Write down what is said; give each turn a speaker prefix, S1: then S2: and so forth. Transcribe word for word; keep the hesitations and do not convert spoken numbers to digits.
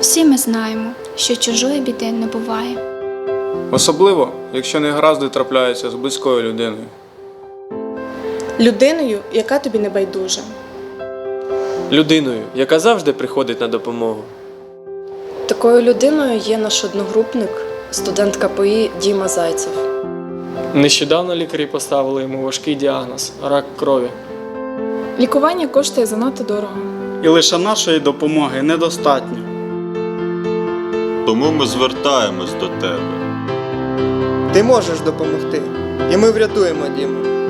S1: Всі ми знаємо, що чужої біди не буває.
S2: Особливо, якщо негаразди трапляються з близькою людиною.
S3: Людиною, яка тобі не байдужа.
S4: Людиною, яка завжди приходить на допомогу.
S5: Такою людиною є наш одногрупник, студент ка пе і Діма Зайцев.
S6: Нещодавно лікарі поставили йому важкий діагноз – рак крові.
S3: Лікування коштує занадто дорого.
S7: І лише нашої допомоги недостатньо.
S8: Тому ми звертаємось до тебе.
S9: Ти можеш допомогти, і ми врятуємо Діму.